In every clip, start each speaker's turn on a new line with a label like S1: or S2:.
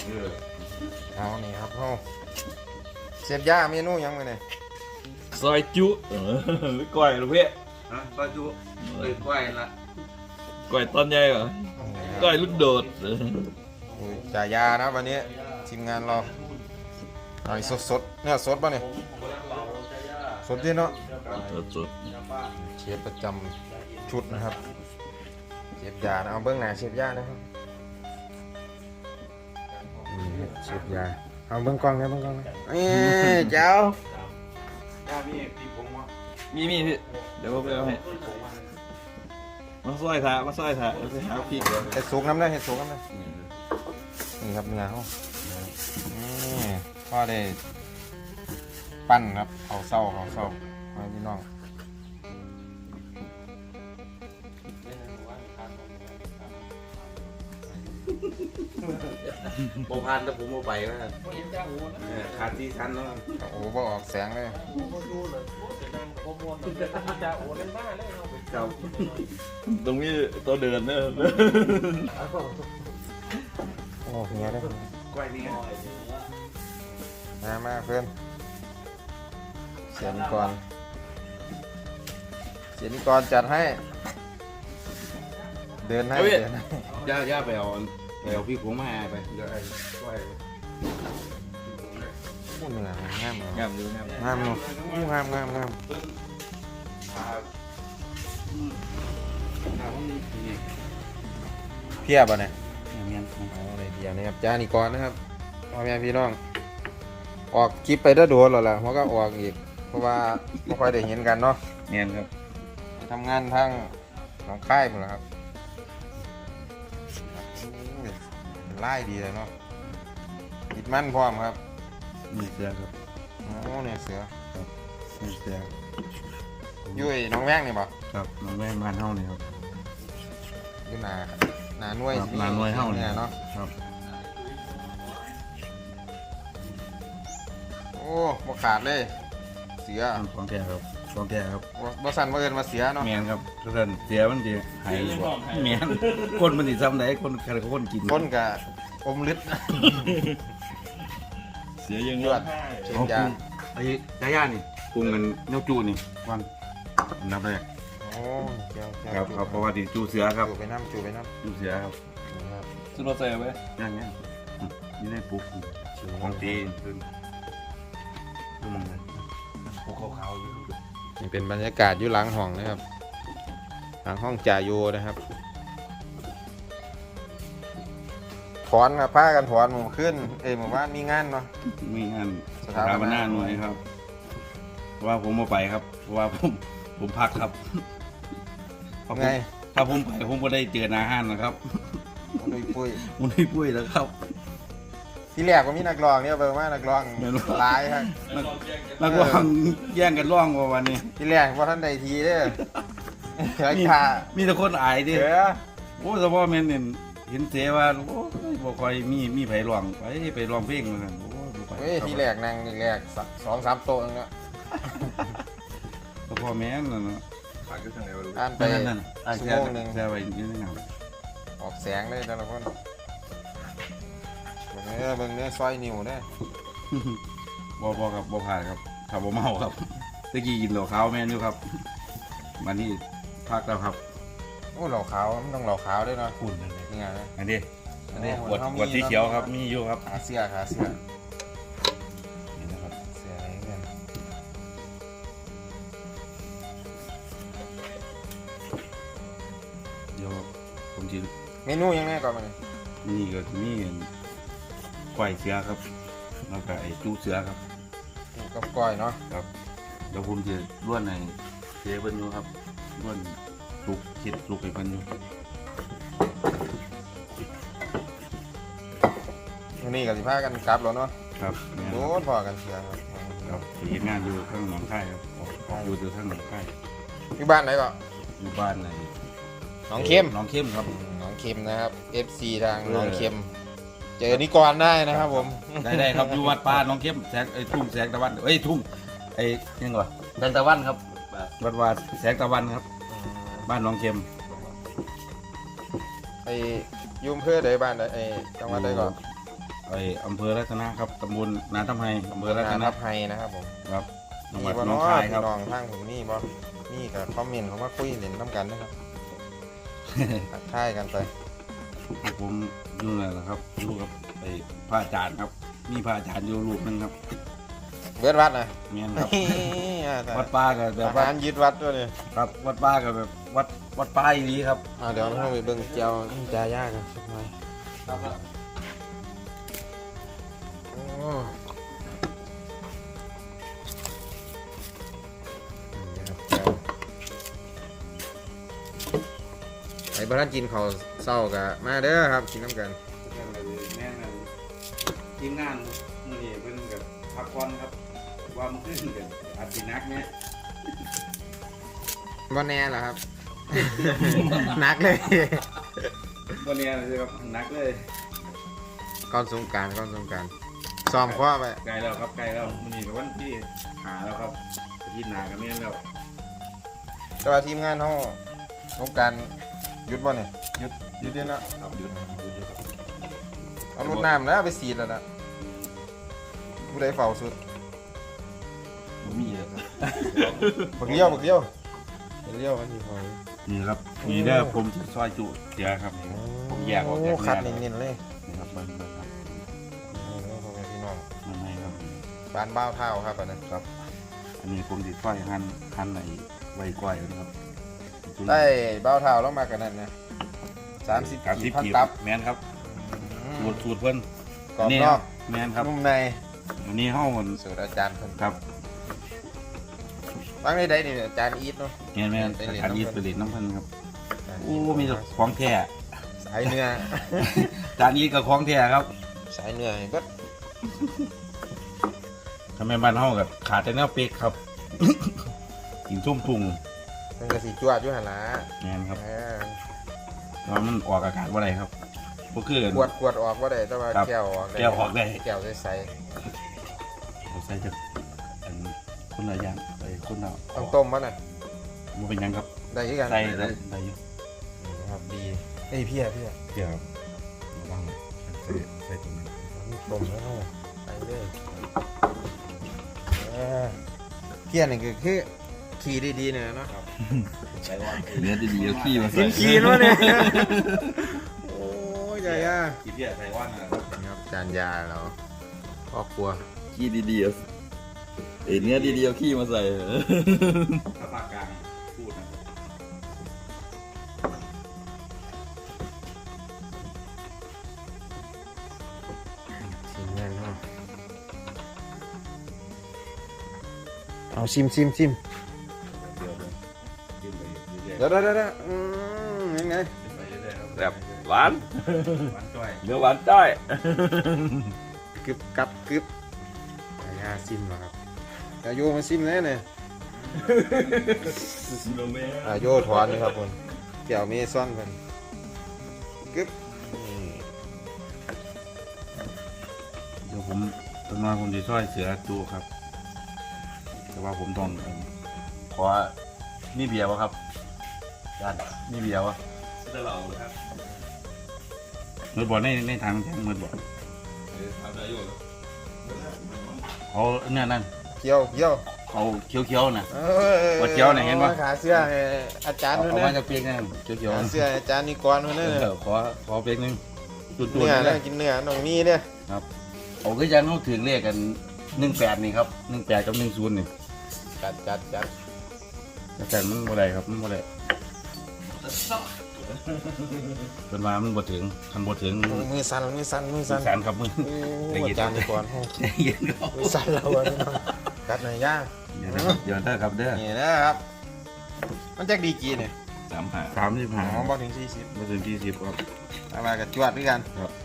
S1: เอานี่ครับเอาเสียบย่าเมนูยังไงเนี่ย
S2: ซอยจุหรือก้อยหรือเพื่อ
S3: ก็จุก้อยละ
S2: ก้อยตอนใหญ่เหรอก้อยลูกโดด
S1: จ่ายยานะวันนี้ทีมงานเราหน่อยสดๆเนี่ยสดป่ะเนี่ยสดที่เนาะ
S2: สด
S1: เชฟประจำชุดนะครับเชฟยานะเอาเบื้องหน้าเชฟยานะครับนี่เชฟยาเอาเบื้องกล้องนะเบื้องกล้องนะเจ้า
S3: ย่ามีปีผงวะ
S2: มีพี่เดี๋ยวผมไปเอาให้มาซอยถาไปหาพริกเลย
S1: เห็ดสุกน้ำได้เห็ดสุกน้ำได้นี่ครับเนื้อเขานี่พ่อได้ปั้นครับเขาเศร้าให้พี่น้อง
S3: โบพันแต่ผมโบไปนะขาดที่ชั้นแล้ว
S1: โอ้โหบ่ออกแสงเลย
S3: เจ้า
S2: ตรงนี้ตัวเดินเนี่ย
S1: โอ้เฮียได้
S3: ก้อยนี่
S1: มาเพื่อนเสียนิกรจัดให้เดินให้
S3: ย่าไปเอาพี่ผงมาไปเดี๋ยวไอ้ก้อย
S1: พูดเหนืองาม
S2: งามอยู่งาม
S1: งามเนาะงามเพียบอ่ะเนี่ยเอาเลยเดียวนะครับจานิกรนะครับพ่อแม่พี่น้องออกคลิปไปได้โดนแล้วล่ะเพราะก็ออกอีกเพราะว่าไม่ค่อยได้เห็นกันเนาะ
S2: เนียนครับ
S1: ไปทำงานทางหนองค่ายหมดแล้วครับเป็นไล่ดีเลยเนาะติดมั่นพร้อมครับ
S3: มีเสือครับ
S1: โอ้เนี่ยเสือ
S3: มีเสือ
S1: ยุ้ยน้องแว่งนี่บ่
S3: ครับน้องแม่บ้านเฮานี่ครับ
S1: ยุ้ยนาหน่วย
S3: นาหน่วยเฮา
S1: เนี่
S3: นี่
S1: ยเนาะ
S3: ครับ
S1: โอ้บ่ขาดเลยเสือ
S3: ของแท้ครับของแท้ครับ
S1: บ่สั่นบ่เอิ้นมาเสือเนาะ
S3: แมนครับทุกท่านเสียมันจะหายบ่แมนคนมันสิซ้ำไหนคนใครคนกิน
S1: คนกับอมฤทธิ์
S2: เสียยัง
S1: ยอดเชีย
S3: เอา
S1: ยา
S3: ไอ้ย่านี่ปรุงกันเนื้อจูนี่วันอันดับแรก
S1: โอ้เจ้า
S3: ครับเพราะว่าดิจูเสือครับ
S1: จูไปน้ำ
S3: จูเสือครับ
S1: นะครับ
S2: ซื้อรถใส่ไว้
S3: ย่างเงี้ยนี่ได้ปุ๊บของตีคือดูมันเลยปุ๊บขาวๆอยู่
S1: นี่เป็นบรรยากาศอยู่หลังห้องนะครับหลังห้องจ่าโยนะครับถอนครับผ้ากันถอนหมู่ขึ้นหมู่บ้านมีงานเนาะ
S3: มีงาน
S1: ส
S3: ส
S1: ถา
S3: ถา
S1: ป
S3: ป
S1: นา
S3: นาหน่วยครับเพราะว่าผมมาไปครับเพราะว่าผมพักครับ
S1: ไง
S3: ถ้าผมไปผมก็ได้เจออาหารนะครับ
S1: ลุยปุ้ย
S3: มันได้ปุ้ยแล้วครับ
S1: ที่แรกก็มีนักร้องเนี่ยเบอร์มานักร้อง
S3: แม่นบ่
S1: หลายครับ
S3: นักร้องแย่งกันร้องว่าวันนี้
S1: ที่แรกว่าท่านใดทีเด้อราคา
S3: มีแต่คนอายดิ
S1: เสือ
S3: โอ้เฉพาะแม่นเนี่ยเห็นเสว่าโอ้ยบ่ค่อยมีไผร้องไปร้องเพลงเหมือนกันโอ้ยบ่ไป
S1: เฮ้ยที่แรกนั่งที่แรก2-3 โต๊ะนึงเนาะ
S3: เฉพาะแม่นนั่นน่ะ
S1: อ่านไป
S3: นั่นๆ
S1: ชั่วโมงหนึ่ง
S3: แซ่ไว้อยู่ในนั้น
S1: ออกแสงเลยแต่ละคนเบิ่งเนื้อซอยนิ้วเนี่ย
S3: บ่ครับบ่ผ่านครับถ้าบ่เมาครับตะกี้กินเหล้าขาวแม่นอยู่ครับวันนี้พักแล้วครับ
S1: โอ้เหล่าขาวมันต้องเหล่าขาวด้วยเนาะ
S3: คุณนั่นเลย
S1: นี่ไงนะ
S3: อันนี้
S1: โอ้
S3: ขวด
S1: เขามี
S3: ขวดสีเขียวครับมีอยู่ครับ
S1: ขาเสื้อ
S3: นี่นะครับ
S1: เสื้ออะไรกัน
S3: เดี๋ยวผมจะ
S1: เมนูยังไงก่อนมาเนี่ย
S3: นี่ก็มีควายเสือครับแล้วก็ไอ้จูเสือครับ
S1: ปูกับก้อยเนาะ
S3: ครับเดี๋ยวผมจะล้วนในเจ๊เพิ่นอยู่ครับล้วนสุกคิดสุกให้เพิ่นอยู่
S1: วันนี้กับสิพากันกลับแล้วเนาะ
S3: ครับแม่น
S1: โดนพอกันเสือครับ
S3: ครับไปเฮ็ดงานอยู่ข้างหนองคายครับอยู่ข้างหนองคาย
S1: ที่บ้านไหนก็
S3: อยู่บ้านใน
S1: หนองเข้ม
S3: หนองเข้มครับ
S1: หนองเข้มนะครับ FC ทางหนองเข้มเจอนิกรได้นะครับผม
S3: ได้ครับอยู่วัดป่าหนองเข้มแสงไอ้ทุ่งแสงตะวันทุ่งไอ้ยังไงวะแสงตะวันครับวัดแสงตะวันครับ บ้านหนองเข้ม
S1: ไอ้ยุ่มเพื่อใดบ้านใดไอ้จังหวัดใดก่อน
S3: ไออำเภอรัตนะครับตำบลนาทำไฮอำเภอรัต
S1: นา
S3: นะ
S1: ทับไฮนะครับผม
S3: ครับจังห
S1: มี
S3: วัด
S1: บ่
S3: หนอง
S1: เนาะ
S3: คาย
S1: พี่
S3: ครับ
S1: น้องทางผมนี่บ่นี่กับคอมเมนต์เขามาคุยเล่นน้ำกันนะครับทักทายกันไป
S3: ผมอยู่นั่นแหละครับลูกกับไอพระอาจารย์ครับ มีพระอาจารย์อยู่ลูกหนึงครับ
S1: เบิดวัดนะ
S3: เมียนครับ
S1: วั
S3: วั
S1: ด
S3: ดป้ากับแบบ
S1: อา
S3: ว่า
S1: หารยึดวัดด้วยเนี่ย
S3: ครับวัดป้ากับแบบวัดป้าอย่างนี้ครับ
S1: เดี๋ยวเราไปเบิ่งเจียวจายากันสักหน่อยโอ้นี่ครับเจียวไอ้บ้านกินเขาวเศร้ากะมาเด้อครับกินน้ำกัน
S3: แม่นทีมงานมือนี้เป็นกับพักผ่อนครับว่ามันขึ้นกับอาทินักเนี่ย
S1: บ่แน่เหรอครับ หนักเลย
S3: วันนี้เลยครับนักเลย
S1: ก้อนสงกรารซ้อมคว้าไป
S3: ไกลแล้วครับไกลแล้วมือนี้กับวันที่หาแล้วครับอาทิตย์หนากับเมียนแล้ว
S1: แต่ว่าทีมงานเขาสงกรารหยุดบ่เนี่ยหยุดเดี๋ยวนะครับ
S3: หยุดครับ
S1: เอารถน้ำแล้วไปสีดแล้วนะผู้ใดเฝ้าสุด
S3: ผมมีเยอะ
S1: บักเลี้ยวมันอยู่พอ
S3: นี่ครับนี่เด้อผมจะซอยจุเสียครับนี่ผมแยกออกจาก
S1: คัด
S3: เนื้อ
S1: เน้นๆเลย
S3: นี่ครับเบิ้งครับ
S1: นี่พ่อแม่พี่น้อง
S3: มันไม่ครับ
S1: บ้านบ้าวเท่าครับอันนั้น
S3: ครับ อันนี้ผมติดไฟหั่นไหนไว้ก้อยนะครับ
S1: ได้บ้าวเท่าแล้วมากันนั่นนะ30
S3: การ
S1: กี
S3: ทิ
S1: บ
S3: ป
S1: พัน
S3: กีบ
S1: ตับ
S3: แมนครับสูตรเพิ่น
S1: กรอบนอก
S3: แมนครับ
S1: นุ่มใน
S3: อันนี้ห้องมัน
S1: สูตรอาจารย์เพิ่น
S3: ครับ
S1: บางได้นี่อาจารย์อีทเนาะ
S3: แมน
S1: ไปเรียน
S3: การยีดไปเรียนน้ำเพิ่นครับโอ้มีแต่ของแท้
S1: สายเนื้อ
S3: จานยีดกับของแท้ครับ
S1: สายเนื้อให้เบิด
S3: ทำไมบ้านห้องกับขาดแต่เนื้อเป็กครับ กินชุ่มพุง
S1: มันก็สิจวดอยู่หั่นล่ะ
S3: แมนครับ
S1: เออ
S3: ว่ามันออกอากาศว่าไรครับก็คือ
S1: ขวดออกบ่ได้แต่ว่า
S3: ครับ
S1: แก้วออกได้
S3: แก้วออกได้
S1: แก้วใส
S3: เราใส่จากอันคนละอย่างไปคนละ
S1: ๆต้องต้มบ่น่ะ
S3: มันเป็นหยังครับ
S1: ได้คือกัน
S3: ใส่ได้อยู่
S1: นี่ครับดีเอ้ยเพี้ย
S3: เดี๋ยวระวังใส่ตรงนั้น
S1: นี่ต้มแล้วเนาะไปเลยเออเพี้ยนี่คือขี่ดีๆเนี่ยเนาะ
S3: ใส่ว่า
S2: เนื้อดีๆเอาขี้มา
S1: กิ
S2: ใส่
S1: นขี่เนาะเนี่ยโอ้ยใหญ่อะ
S3: ขี้เพี้ยใส่ว่านะครับ
S1: ครับจานยาเราครอบครัว
S2: ขี้ดีๆเอาเนื้อดีๆเอาขี้มาใส่
S3: ถ้าปากกลางพูดนะ
S1: ชิมแน่นเนาะเอาชิม
S3: เดี๋ยวกินไปเรื่อย
S1: เดี๋ยวยังไง
S3: ๆไปเรื่อยๆครับ
S2: แบบหวาน
S3: หวานจ้อย
S2: เนื้อหวานจ้อย
S1: กึบกับกึบยาซิมเหรอครับอาโยมาซิมแน่เนี่ยอาโยถอนเลยครับผมแก้วเมซอนเพิ่นกึบนี่
S3: เดี๋ยวผมตอนมาผมจะช่วยเสือจูครับ แต่ว่าผมต้องขอนี่เบียร์วะครับด้านนี่เบียร์วะ
S2: จะเหล่าครับ
S3: มือบอลในทางแทงมือบอล
S2: ทำได้อยู่
S3: เขาเนี่ยนั่น
S1: เกี่ยว
S3: เขาเขียวๆนะ
S1: เอ
S3: ว่าเกี่ยวน่ะเห็นปะ
S1: ขาเสื้อให้อาจารย์ด้วย
S3: เอา
S1: นะ
S3: มาจากเปียกนั่นเขียว
S1: ขา
S3: ๆ
S1: เสื้ออาจารย์นิกรด้วยนะ
S3: ขอเปียกนึงจุดๆ
S1: เนื้อ
S3: เล
S1: นะ
S3: ย
S1: กินเนื้อน้องมีเนี่ย
S3: เอาก็ยังต้องถึงเลขกัน18นี่ครับ18กับ10นี่
S1: จัด
S3: แต่มันบ่ได้ครับมันบ่ได้เป็นว่ามันบ่ถึงคันบ่ถึง
S1: มือสั่น
S3: แสนครับมือ
S1: โอ้อาจารย์นิกรโอ้
S3: เย็นครับ
S1: มือสั่นเราอะพี่น้องกัดหน่อยย่าง
S3: เดี๋ยวนะครับเดี๋ยวได้ครับเด้อ
S1: นี่นะครับ มันจักดีกี่เนี่ย
S3: 35
S1: อ๋อบ่ถึง40
S3: บ่ถึง40ครับ
S1: เอามากับจวดด้วยกัน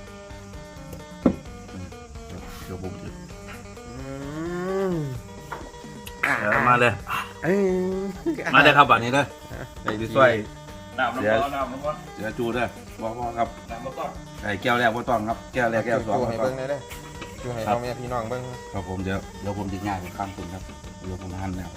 S3: เดี๋ยวผมจะ
S1: อืม
S3: มาเลย
S1: เอ้ย
S3: มาเลยครับบัดนี้เด้อไอ้ดิซอย
S2: น้ำน้ำร้อนน้ำร้อน
S3: เดี๋ยวจูเด้อบ่ครับ
S2: น้ำร้อน
S3: ไอ้แก้วแรกบ่ต้องครับแก้วแรกแก้วสอง
S1: จู
S3: ค
S1: ให้
S3: รับ
S1: เบิ่งได้เด้อจูให้พ่อแม่พี่น้องเบิ่ง
S3: ครับผมเดี๋ยวผมจะง่ายข้ามคุณครับเดี๋ยวผมหั่นแล้ว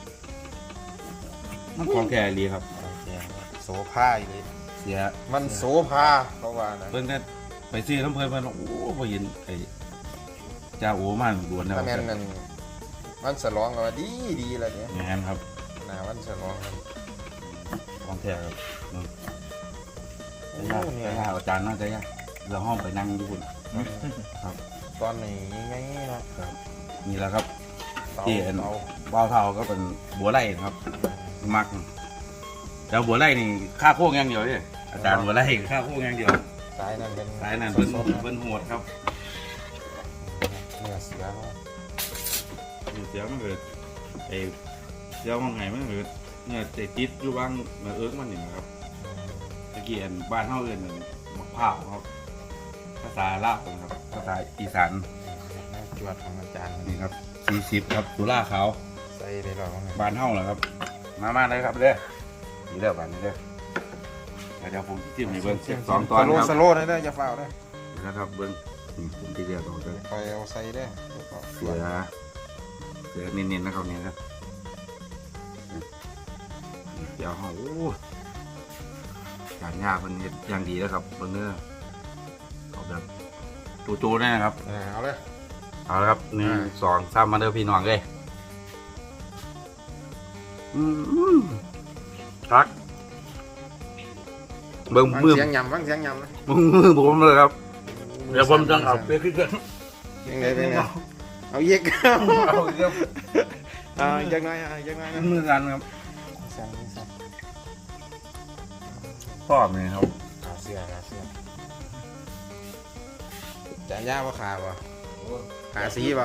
S3: มันของแก่ดีครับ
S1: โอเคโสภาอีกเลย
S3: เสีย
S1: มันโสภาเพราะว่านะ
S3: เพิ่งได้ไปซื้อน้ำเพลินมันโอ้พอเห็นไอ้เจ้าโอ้มันด่วนนะ
S1: ถ้าแม่นนั่นวันฉลองก็ว่าดีแล้วเนี่ย
S3: งานครับ
S1: หน้าวันฉลองครับ
S3: ของแท้ครับ
S1: โอ้
S3: จะยาก
S1: เนี่
S3: จะ
S1: ย
S3: ยากอาจารย์น่าจะยากเราห้องไปนั่งดูคุณ
S1: ตอนนี้ไงเนาะ
S3: นี่แหละครับ
S1: เตา
S3: ที่เอ็น
S1: เตา
S3: บ้าวเท่าก็เป็นบัวไร่นะครับ มักแล้วบัวไร่นี่ค่าโค้งอย่างเดียวเนี่ยอาจารย์บัวไร่ค่าโค้งอย่างเดียว
S1: สายนั่นเป็น
S3: สายนั้นเพิ่น
S1: สดๆนะ
S3: เพิ่นโหดครับ
S1: เนื้อเสือเนาะ
S3: อยู่เสียมันเกิดไอ้เสียมังไงมันเกิดเนี่ยแต่ติดอยู่บ้างมาเอิ้กมันนี่นะครับตะกี้อันบ้านเฮาเอิ้นนั่นมะพร้าวครับภาษาลาวครับภาษาอีสาน
S1: จวดของอาจารย์
S3: นี่ครับ40ครับสุราขาว
S1: ใส่ได้หรอว่าไง
S3: บ้านเฮาแหละครับ มาเลยครับเด้อนี่เด้อบ้านนี้เด้อเดี๋ยวผมจิ้มให้เบิ่งสองตอนครับ
S1: สโลว์ได้อย่าฝ้าวได้
S3: นะครับเบิ้งนี่ผมที่เรียกเอาเลย
S1: คอยเอาใส่ได้
S3: เสือเน้นๆนะครับเนี่ยครับเดี๋ยวเขาโอ้การยากมันเฮ็ดอย่างดีแล้วครับเบิ้งเนื้อเอาแบบจูๆได้นะครับ
S1: เอาเลย
S3: เอาละครับหนึ่งสองสามมาเด้อพี่น้องเลยทักเบิ้ง
S1: ฟัง
S3: มือ
S1: เสียงยำฟังเสียงยำนะ
S3: มือผมเลยครับเดี๋ยวผมจะเอาไปขึ้นกัน
S1: ยังไงเป็นไงเอาเยก
S3: เอาเดี๋ยว
S1: ยังไงยังไงนะ
S3: มือกันครับ
S1: สั่งสั่ง
S3: ชอบเลยครับ
S1: เสื้อจานย่าว่าขาบ่ขาสีบ่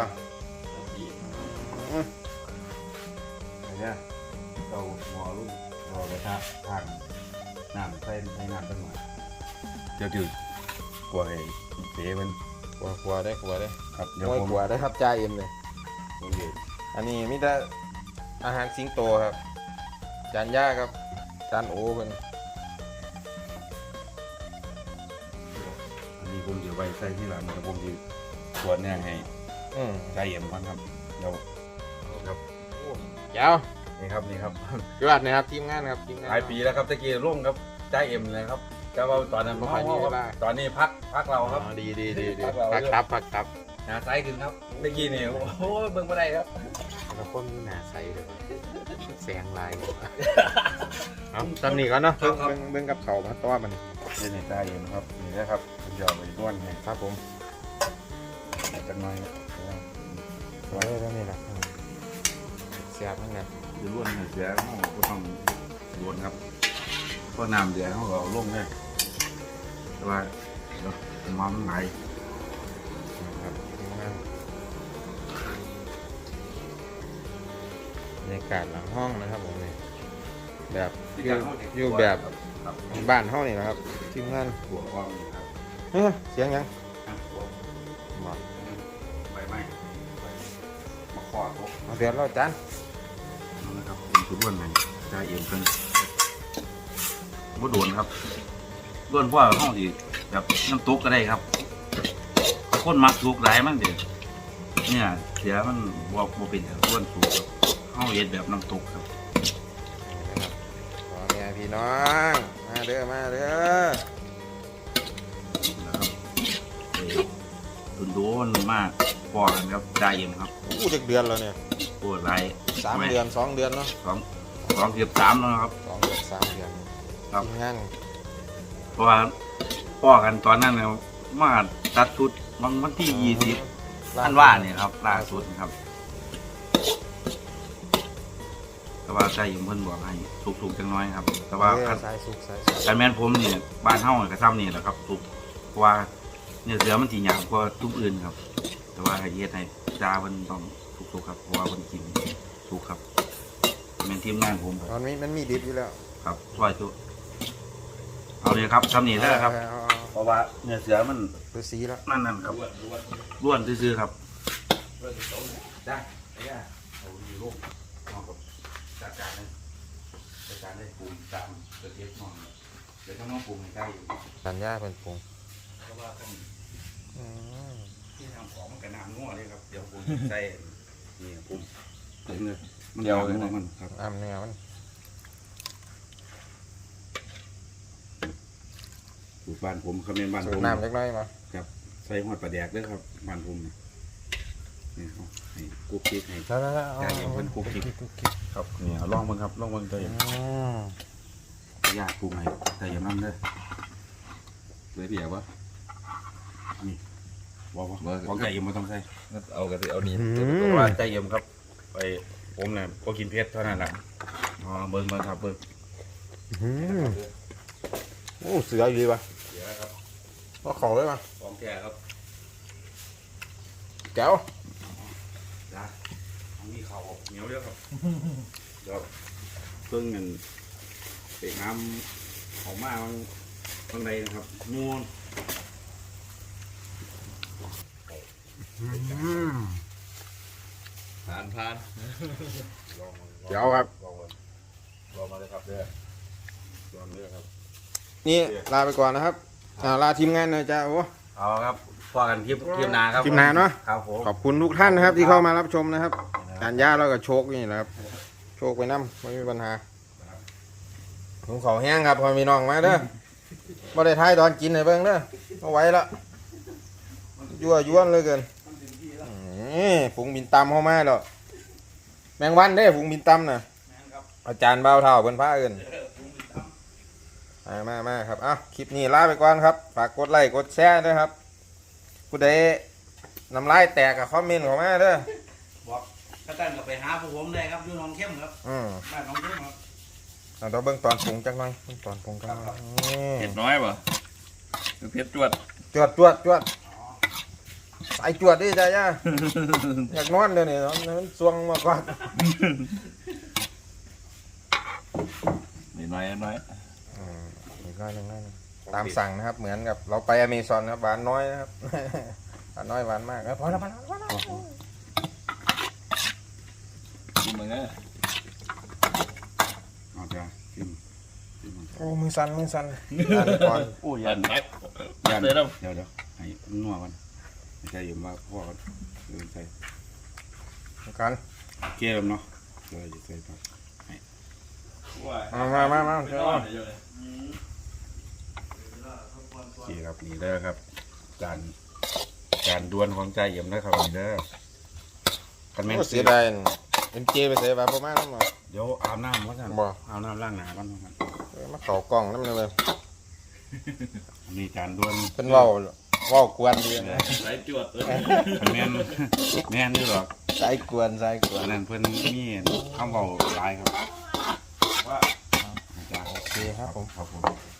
S3: เนี่ยเราหมอรุ่นเราไปทานน้ำใส่ในน้ำตั้งหน่อยเดี๋ยวดื่มกลัวไอ้เสียมัน
S1: กลัวได้
S3: ครับเดี๋ยว
S1: ไม่
S3: ผม
S1: กลัวได้ครับจ่าเอ็มเลย
S3: ผมดื่ม
S1: อันนี้มีแต่อาหารสิงโตครับจานย่าครับจานโอเป็น
S3: อันนี้ผมเดี๋ยวไปใส่ที่หลังเดี๋ยวผมจะตรวจเนี่ยให้ใจเย็นก่อนครับเดี๋ยวครับ
S1: ยาว
S3: นี่ครับนี่ครับ
S1: ยอดนะครับทีมงานครับทีมงาน
S3: หลายปีแล้วครับตะกี้ร่วมครับใจเอ็มเลยครับแต่ว่าตอนนั้น
S1: บ่ค่อยมีเวลา
S3: ตอนนี้พักเราครับ
S1: ดี
S3: พักเรา
S1: พักครับ
S3: หาไซส์ขึ้นครับตะกี้นี่โอ้โหเบิ่งบ่ได้ครับ
S1: แล้วคนมีหน้าใสเลยแสงลายเอาตอนนี้ก่อนเนาะเบิ่งกับเขามาต้อมัน
S3: นี่ในใจเอ็มครับนี่นะครับเดี๋ยวไปด้วนให้
S1: ครับผม
S3: จังหน่อยนะ
S1: ไว้ตรงนี้แหละเสียบนั่นไง
S3: จะล้วนให้เสียเขาก็ต้องล้วนครับเพราะน้ำเดือดเขาก็เอาลงเลยแต่ว่าเดี๋ยวมันไหล
S1: ครับทีมงานบรรยากาศหลังห้องนะครับผมนี่แบบอยู่แบบ
S3: ครับ
S1: บ้านห้องนี่นะครับทีมงาน
S3: หัวกล้องนี่ครับ
S1: เสียงยัง
S3: หัว
S1: มา
S3: ใบไม้มาขอด
S1: เอาเสียบแล้วจาน
S3: นะครับเป็นชุดล้วนให้ใจเอ็มเพิ่นบ่โดนครับล้วนเพราะว่าห้องสิแบบน้ำตกก็ได้ครับคนมักถูกหลายมันเด็ดเนี่ยเสียมันบ่เป็นแบบล้วนถูกครับห้องเย็ดแบบน้ำตกครับ
S1: นี่นะครับขอแม่พี่น้องมาเด้อ
S3: นะครับโดนมากพอกันครับใจเย็นครับ
S1: อู้เดือนแล้วเนี่ย
S3: ปวดไหล่
S1: 3 เดือน 2 เดือนเนาะ
S3: สองเกือบ3แล้วนะครับ
S1: 2 เดือน 3 เดือน
S3: ครับ
S1: ทีมงาน
S3: เพราะว่าพ่อกันตอนนั้นเนี่ยมาตัดชุดวันที่20ท่านว่าเนี่ยครับล่าสุดนะครับแต่ว่าใจเย็นเพิ่นบอกให้ถูกจังน้อยครับ แต่ว่า
S1: สายสุกสาย
S3: การแม่นผมเนี่ยบ้านเฮาก็ซ้ำนี่แหละครับถูกเพราะว่าเนื้อเสือมันสิหยาบกว่าทุกอื่นครับ แต่ว่าให้เฮ็ดให้จ้าเพิ่นต้องถูกครับเพราะว่าเพิ่นกินถูกครับเป็นทีมงานผมครับ
S1: มันมีดิบอยู่แล้ว
S3: ครับช่วยทุกเอาเลยครับซ้ำนี่ได้ครับ เพราะว่าเนื้อเสือมัน
S1: ดูสีแล้ว
S3: นั่นครับล้วนซื่อๆครับได้ได้เอาดีลูกน้องกับจัดการได้ปรุงตามเสด็จน้องเดี๋ยวต้องปรุงให้ได้อยู่
S1: สัญญาเป็นปรุง
S3: เพราะว่าต้องที่ทำของมันกระน้ำงัวเลยครับเดี๋ยวผมใส่นี่ผมมันเดียวเลยนะมันครับ
S1: เนื้อมัน
S3: ถูกบ้านผมคำเมนบ้าน
S1: สู
S3: ผ
S1: ต
S3: ม
S1: รน้ำเล็กน้อยมา
S3: ครับใส่หอดปลาแดกเด้อครับบ้านผมนี่เอาให้กุ๊กกิ๊กให้
S1: แล้ว
S3: ใจเย็นเพิ่นคุกกิ๊ก ครับนี่เอาลองเบิ่งครับลองเบิ่งใจเย็นยากปรุงให้ใจเย็นนั่นเด้อเลยเบียร์วะนี่บอกว่าของใจเย็นไม่ต้องใส่
S2: เอากระติเอานี้
S3: เพราะว่าใจเย็นครับไปผมเนี่ยก็กินเผ็ดเท่านั้นแหละอ๋อเบิ่งครับเบิ่ง
S1: โอ้เสืออยู่ดีป่ะ
S3: เดี๋ยวครับ
S1: ก็ของเลยป่ะ
S3: ของแก่ครับ
S1: แก้ว
S3: จ้าอันนี้เขาเหนียวเยอะครับเดี๋ยวเครื่องเงินเตะน้ำออกมาข้างในนะครับมูน
S2: ผ่าน
S1: แก้วครับ
S3: ลองมาเลยครับเด้อลองเด้อครับ
S1: นี่ลาไปก่อนนะครับลาทีมงานหน่อยจ้าโอ้
S3: เอาครับพอกันคลิปหนาครับ
S1: คลิปหน้าเนอะ
S3: ครับผม
S1: ขอบคุณทุกท่านนะครับที่เข้ามารับชมนะครับ การย่าเราก็โชคนี่แหละครับโชคไปน้ำไม่มีปัญหาผมขอแห้งครับพอมีน้องมาเด้อบ่ได้ท้ายตอนกินให้เบิ่งเด้อเอาไว้ละยั่วย้วนเลยเกินฝูงบินตำเข้ามาแล้วแมงวันเด้ฝูงบินตำน่ะอาจารย์เบาเท่าเพิ่นพาเอิ้นมาครับคลิปนี้ลาไปก่อนครับฝากกดไลค์กดแชร์ด้วยครับผู้ใดน้ำลายแตกกับคอมเมนต์เข้ามาเด้อ
S3: บอกถ้าตั้งก็ไปหาพวกผมได้ครับอยู่หนองเข้มครับบ้านหนองเข้มครับ
S1: เราเบิ่งตอนปรุงจักหน่อยเบิ่งตอนปรุงจักหน่อย
S2: เผ็ดน้อยป่ะเผ็ดจวด
S1: จวดสายจวดดิจ้าย่าอยากนอนเลยนี่นอนมันสวงมากกว่า
S2: นิดน้อย
S1: อีกน้อยหนึงตามสั่งนะครับเหมือนกับเราไปอเมซอนครับหวานน้อยนะครับ หวานน้อยหวานมากพอแล้ว
S2: กินมึงนะ
S3: เอาจ้ะชิม
S1: โอ้มือสั่นก่อน
S3: โอ้ย
S2: ยันแม็ก
S3: ยัน
S2: เลย
S3: เดี๋
S2: นะ
S3: ยวให้นัวกันไม่ใช่ยืมว่าพ่อกันใส่
S1: กัน
S3: เกลือเนาะเกลือจะใส่ผัก
S1: มาเจ้า
S3: นี่ครับนี่เด้อครับการดวลของใจเยี่ยมนะครับนี่เด้อกันแม่น
S1: เสียดายเอ็มเจไปเสียบาประมาณนั้นมา
S3: เดี๋ยวอาบน้ำวะกัน
S1: บ่
S3: อาบน้ำล้างหน้ากัน
S1: มาเข่ากล่องนั่นเลย
S3: มีการดวล
S1: เป็นว่าวกวนดีนะ
S2: สายจวด
S3: แม่นอยู่หรอก
S1: สายกวน
S3: อันนั้นเพิ่นมีคำเว้าหลายครับว่า
S1: โอเคครับผม
S3: ครับผม